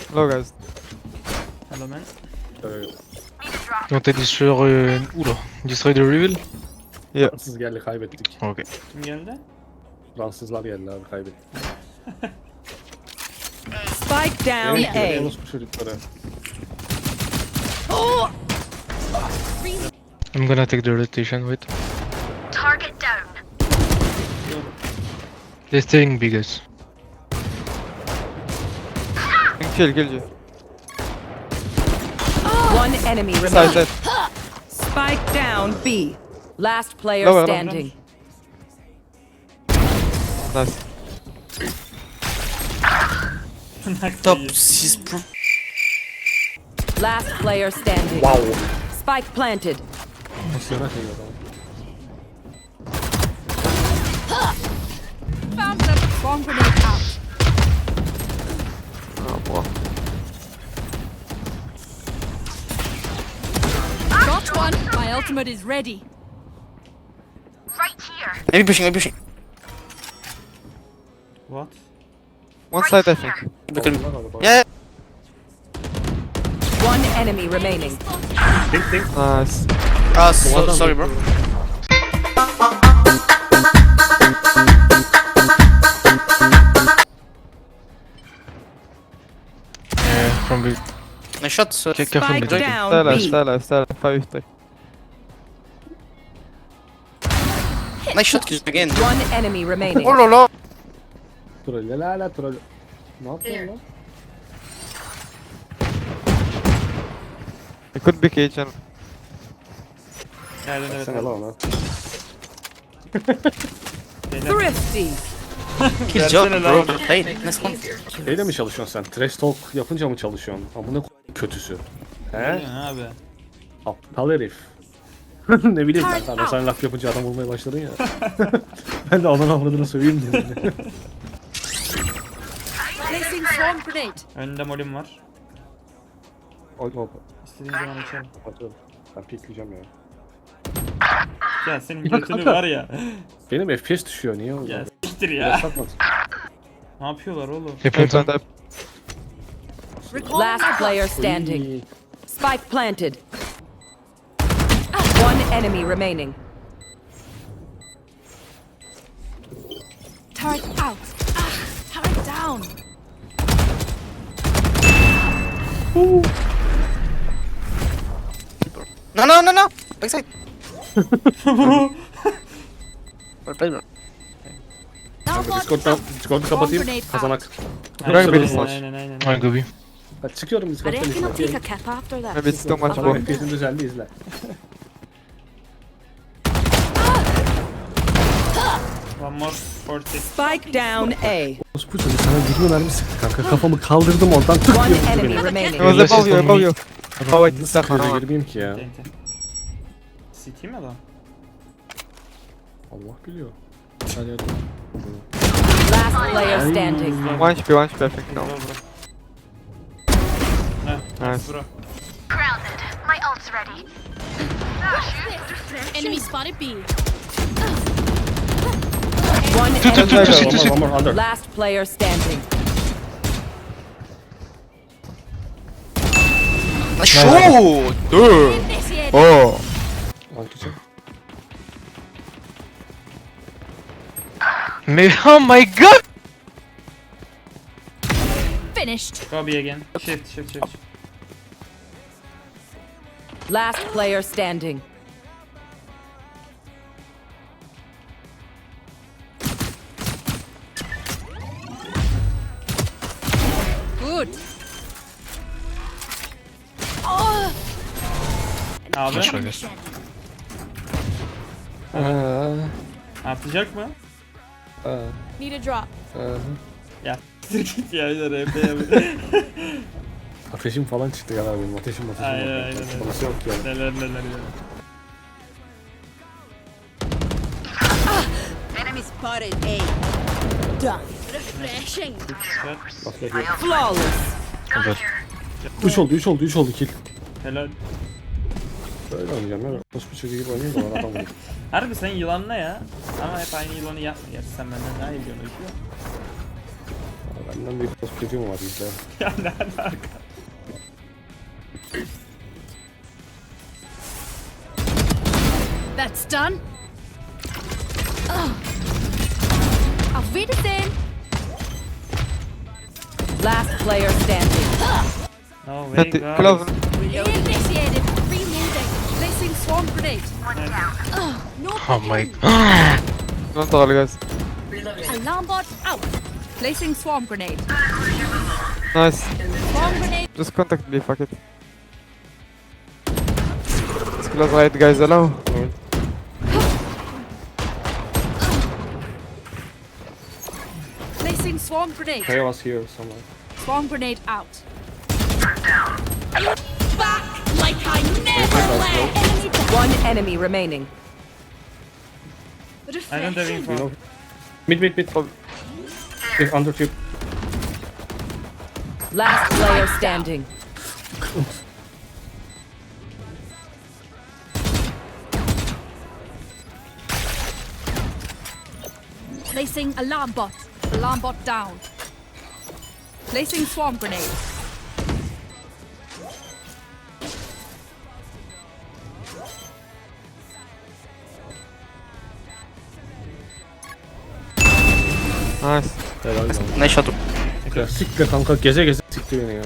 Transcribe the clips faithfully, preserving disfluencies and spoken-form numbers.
Low guys. Hello man. Evet. On t'a dit sur... Euh... Oula, destroy the reveal. Fransız geldi kaybettik. Ok. Kim geldi? Fransızlar geldi abi kaybettik. Spike down Evet, A. orospu çocukları. I'm gonna take the rotation, wait. Target down. They're staying big guys. Kill, kill you. One enemy Side, remaining. side. Spike down B. Last player Lower, lower. standing. Nice. Top six pro. Last player standing. Wow. Spike planted. Pozisyona şey adam. Found them. Bomb grenade out. Oh, boy. Got one. My ultimate is ready. Right here. Maybe pushing, maybe pushing. What? One side, I think. Look at me. Onlar araba. Yeah. One enemy remaining. Think think. Nice. Ah, so, sorry bro. Yeah, from big. Nice shot. So. Check careful Spike mid. Stay down alive, B. stay alive, stay alive. Five three. Nice shot kill again. One enemy remaining. Oh la la. Troll la la troll. Ne yapıyorsun lan? It could be kitchen. Geldin evet. Sen lan ona. Beyler. Thrifty. Kill Versene job lan. bro. Hey, nice one. Şeyle mi çalışıyorsun sen? Trash talk yapınca mı çalışıyorsun? Amına k- kötüsü. Ne He? diyorsun abi? Aptal herif. Ne bileyim ben sana sen laf yapınca adam vurmaya başladın ya. Ben de onun avradını söyleyeyim dedim. Placing swarm grenade. Önünde molim var. Hop hop. İstediğin zaman açarım. Kapatıyorum. Ben pikleyeceğim ya. Ya senin götünü var ya. Benim F P S düşüyor niye oldu? Ya siktir Biraz ya. satma. Ne yapıyorlar oğlum? They plant Plant on. up. Last player standing. Spike planted. One enemy remaining. Turret out. Ah, turret down. No, no, no, no. Backside. Well played bro. Now Kanka what? Discord'dan, Discord'u kapatayım. Grenade Kazanak. Bırak beni Aynen slash. aynen aynen. I'll go B. Bak çıkıyorum I Discord'dan reckon I'll take a izle. cap after that. Maybe it's too much Tamam more. F P S'in düzeldi izle. One more forty. Spike down A. Bu çocuk sana yirmi mermi sıktı kanka. Kafamı kaldırdım oradan tık One diye vurdu enemy beni. It remaining. was Unless above it's you, on above me. you. Oh wait, it's Nasıl that göze one. girmeyeyim ki ya? Ente. City mi adam? Allah biliyor. Hadi hadi. Last player standing. One H P, one H P, I think. Bro No. bro. Heh, Nice. bro. Grounded. My ult's ready. Enemy spotted B. One Two, two, enemy. two, two, One two, more, two. one more under. Last player standing. Nice shot. Dude. Initiated. Oh. Arkadaşlar. Mais oh my god! Finished. Go B again. Shift shift shift. Last player standing. Good. Oh. Abi Flash I guess. artacak mı? Need a drop. Ya git ya R P ya. Ateşim falan çıktı ya benim ateşim ateşim. Aynen, var. aynen, aynen. Burası yok yani. Neler neler ya. Enemy spotted A. Done. Refreshing. Bak bakayım. Flawless. üç oldu üç oldu üç oldu kill. Helal. Böyle oynayacağım ya. Nasıl bir çocuğu gibi oynayayım da bana adam vurur. Harbi sen yılanla ya. Ama hep aynı yılanı yapma. Gerçi sen benden daha iyi biliyorsun öykü. Bundan bir koskocu mu var bizde? Ya ne alaka? That's done. Oh. Auf Wiedersehen. Last player standing. No way Hadi guys. Cloven. Initiated. Reloading. Placing swarm grenade. Oh, no Oh my peeking. god. Don't all guys. Alarm bot out. Placing swarm grenade. Nice. Swarm grenade. Just contact me, fuck it. Let's close right guys, allow. Placing swarm grenade. Kaya was here somewhere. Swarm grenade out. Back like I never left. Enemy down. One enemy remaining. I don't have Refreshing. info. You know. Mid mid mid. If under tube. Last player standing. Placing alarm bot. Alarm bot down. Placing swarm grenade. Nice. Helal lan. Nice shot. Ya siktir kanka geze geze siktir beni ya.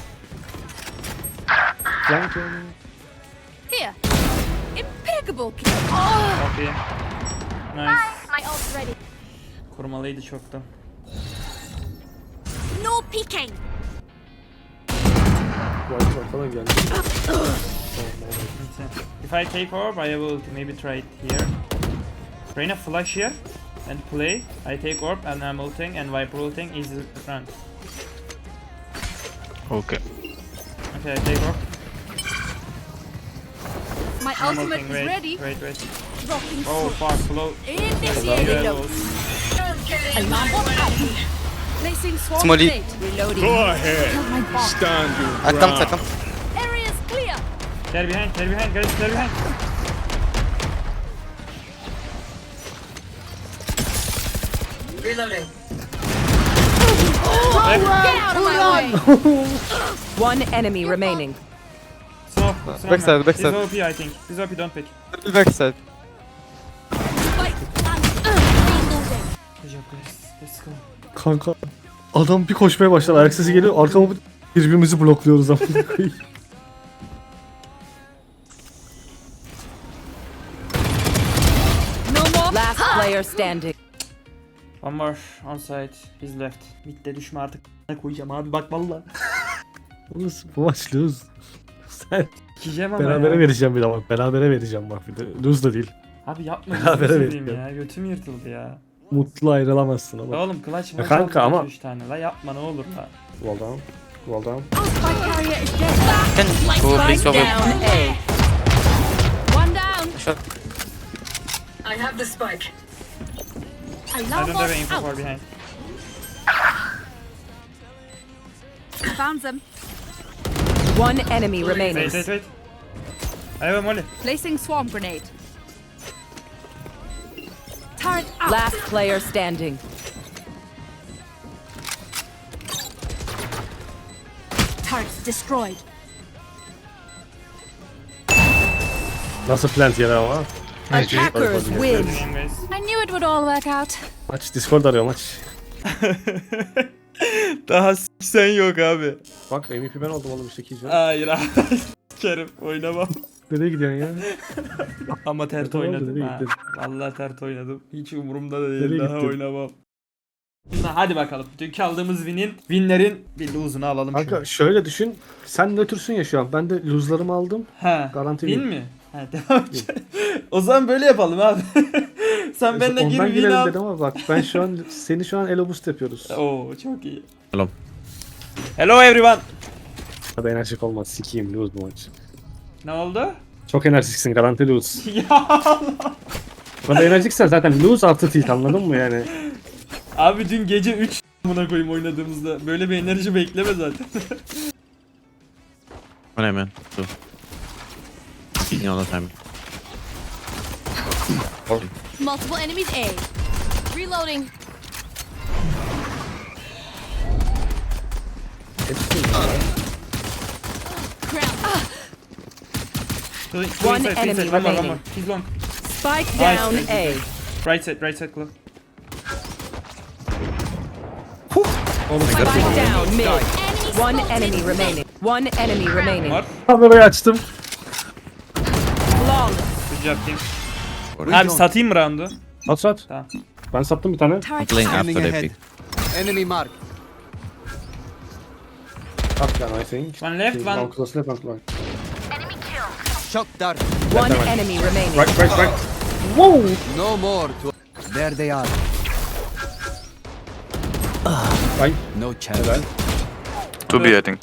Flank yani. Here. Impeccable kill. Oh, Okay. Nice. My ult's ready. Kurmalıydı çoktan. no peeking. White var falan geldi. If I take orb, I will maybe try it here. Reyna flash here and play. I take orb and I'm ulting and Viper ulting is the front. Okay. Okay, I take orb. My I'm ultimate ulting. is Wait, ready. wait, wait. Rocking Oh sword. fuck, slow. Initiated. Yellow. Alarm bot out. Placing swarm Smolly. grenade. Reloading. Go ahead. Kill my bot. Stand your I come, I ground. come. Area is clear. They're behind, they're behind, guys, they're behind. Get out of my way. One enemy remaining. Slow, slow. backside, man. backside. This O P I think. This O P don't pick. Little backside. Spike and reloading. Good job guys. Let's go. Kanka adam bir koşmaya başlar ayak sesi geliyor arkama bir- birbirimizi blokluyoruz ama. No more. Last player standing. One more on side. He's left. Mid'de düşme artık. Ne koyacağım abi bak valla. Lose, bu maç lose. Sen Yiyeceğim ama berabere ya. vereceğim bir de bak. Berabere vereceğim bak bir de. Lose da değil. Abi yapma. Berabere gözünü seveyim vereceğim. ya. Götüm yırtıldı ya. Mutlu ayrılamazsın ama. La oğlum clutch Ya maç kanka aldım, ama- üç tane. La yapma ne olur la. Well down. Well down. Spike carrier is dead. Can go please Spike over. down A. One down. Shot. Alarm I don't bot have info for out. behind. Found them. One enemy remaining. Wait wait wait. I have a molly. Placing swarm grenade. Turret out. Last player standing. Turrets destroyed. Nasıl plant yeri ama? Attackers win. Good game guys. I knew it would all work out. Maç Discord arıyor maç. Daha sen yok abi. Bak M V P ben oldum oğlum işte ikinci. Hayır abi. Kerim oynamam. Nereye gidiyorsun ya? Ama tert Tamam, oynadım nereye ha. gittin? Vallahi tert oynadım. Hiç umurumda da değil. Nereye Daha gittin? oynamam. Hadi bakalım. Dünkü aldığımız win'in winlerin bir lose'unu alalım. Kanka şöyle düşün. Sen nötrsün ya şu an. Ben de lose'larımı aldım. Ha. Garanti Win win. mi? Ha devam et. O zaman böyle yapalım abi. Sen benimle gir Ondan win girelim al. dedim ama bak ben şu an seni şu an elo boost yapıyoruz. Oo çok iyi. Hello. Hello everyone. Hadi enerjik olmaz. Sikiyim lose bu maç. Ne oldu? Çok enerjiksin garanti lose. Ya Allah. Bana enerjiksen zaten lose artı tilt anladın mı yani? Abi dün gece üç buna koyayım oynadığımızda. Böyle bir enerji bekleme zaten. One man. Two. Peeking all the time. Multiple enemies A. Reloading. Two, two One inside, two enemy inside. One more, one remaining. more. He's long. Spike Nice. down A. Right side, right side, Claw. Spike down mid. One enemy remaining. One enemy remaining. Var. Kamerayı açtım. Long. Good job team. Abi satayım mı round'u? At sat. Tamam. Ben sattım bir tane. I'm playing after they pick. Enemy mark. At yani I think. One left, Şey, one- long close left, long close. Enemy killed. Shock dart. One enemy remaining. Right, right, right. No more. To... There they are. Right. No chance. Helal. two B, I think.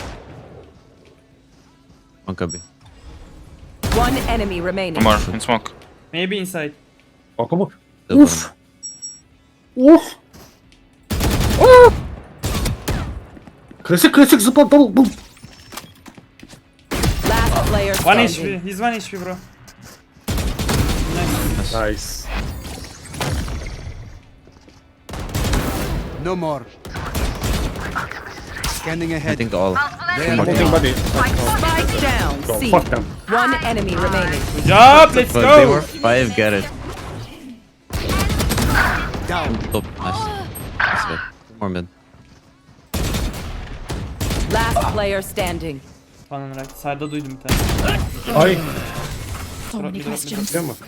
One could be. One enemy remaining. One more in smoke. Maybe inside. Baka bak. Still Uf. Uf. Uf. Klasik klasik zıpla double boom. Last player One standing. H P. He's one H P bro. Nice. No more. Scanning I ahead. think all. There One they thing are. body. Spike down Go, C. fuck them. One enemy remaining. Good job. Let's But they go. were five, get it. Down. Top, nice. That's good. Two more mid. Last player standing. Falan right. Side'da duydum bir tane. Ay. So many Drop me, drop me, questions. Biliyor musun?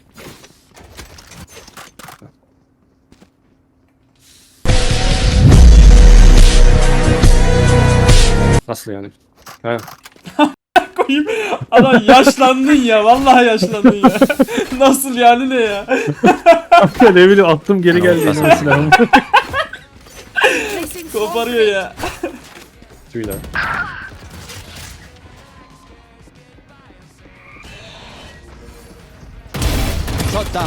Nasıl yani? He. Koyayım. Adam yaşlandın ya. Vallahi yaşlandın ya. Nasıl yani ne ya? ne bileyim attım geri geldi yine silahım. Placing swarm Koparıyor ya. Tüyler. Shot down.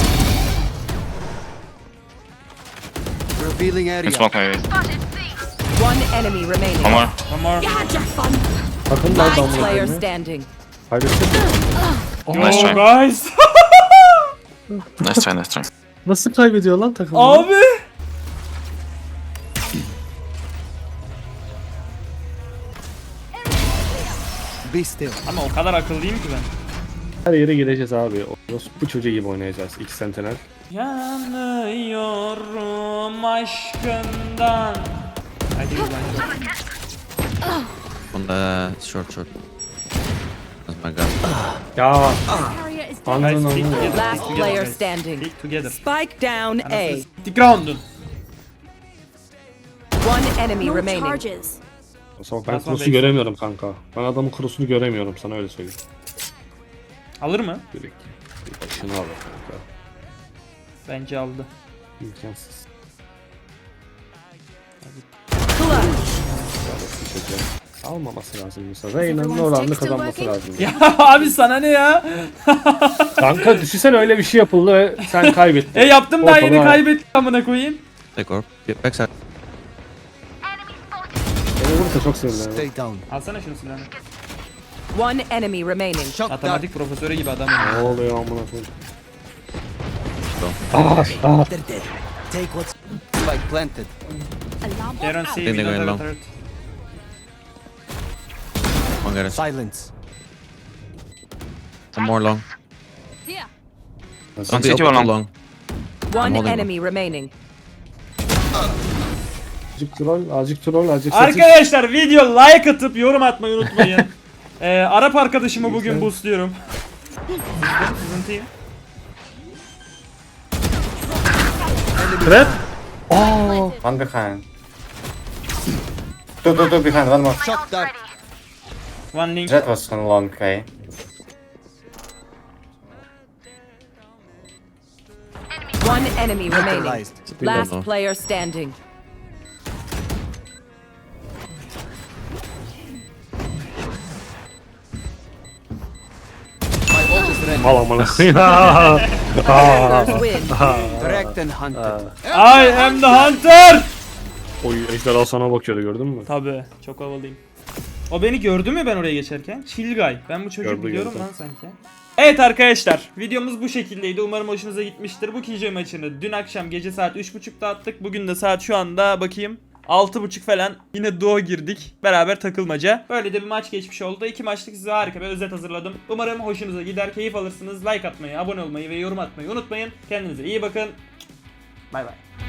Revealing In area. smoke maybe. Spotted C. One enemy remaining. One more. One more. You had your fun. Bakın lan Last damla. player standing. Kaybettim. Nice Oh try. guys. Nice try, nice try. Nasıl kaybediyor lan takım? Abi. Be still. Ama o kadar akıllıyım ki ben. Her yere gireceğiz abi. O- Bu çocuğu gibi oynayacağız. İki sentinel. Yanıyorum aşkından. Hadi yürü bence. On the short, short. That's my gun. Ya Carrier is dead. anladın Guys, anladın. stick together. Last stick together, player guys. standing. Stick together. Spike down A. Stick round'un. One enemy No remaining. charges. O zaman ben That's my cross'u base. göremiyorum kanka. Ben adamın cross'unu göremiyorum sana öyle söyleyeyim. Alır mı? Direkt. Bir başını al kanka. Bence aldı. İmkansız. Clutch. Bir çocuğa. Almaması lazım mesela. Reyna'nın oranını kazanması lazım. Ya abi sana ne ya? Kanka düşünsene öyle bir şey yapıldı ve sen kaybettin. E yaptım daha yeni Ortalığa- kaybettim amına koyayım. Take orb. Get backside. Enemy spotted. Beni vurursa çok sinirlenirim. Stay down. Alsana şunu silahını. One enemy remaining. Shock dart. Matematik profesörü gibi adam. Ne oluyor amına koyayım? They're dead. Take what's spike planted. Alarm They don't bot see out. Think we they're don't going have a low. turret. One get it. Silence. One more long. Here. One city, open, one two long. long. One holding enemy remaining. Azıcık troll, azıcık troll, azıcık satış. Arkadaşlar video like atıp yorum atmayı unutmayın. ee, Arap arkadaşımı bugün boostluyorum. Sızıntıyım. Trap. One behind. Two, two, two behind, one more. Shock dart. One link. Jet was on long, okay. One enemy remaining. Neutralized. Last Low. player standing. My ult is ready. Mal amına koyayım. Others win. Tracked and hunted. I am the hunter. Oy ejderha sana bakıyordu gördün mü? Tabii çok havalıyım. O beni gördü mü ben oraya geçerken? Chill guy. Ben bu çocuğu Gördü, biliyorum gördü. lan sanki. Evet arkadaşlar, videomuz bu şekildeydi. Umarım hoşunuza gitmiştir. Bu K J maçını dün akşam gece saat üç buçukta attık. Bugün de saat şu anda bakayım altı buçuk falan yine duo girdik. Beraber takılmaca. Böyle de bir maç geçmiş oldu. İki maçlık size harika bir özet hazırladım. Umarım hoşunuza gider, keyif alırsınız. Like atmayı, abone olmayı ve yorum atmayı unutmayın. Kendinize iyi bakın. Bay bay.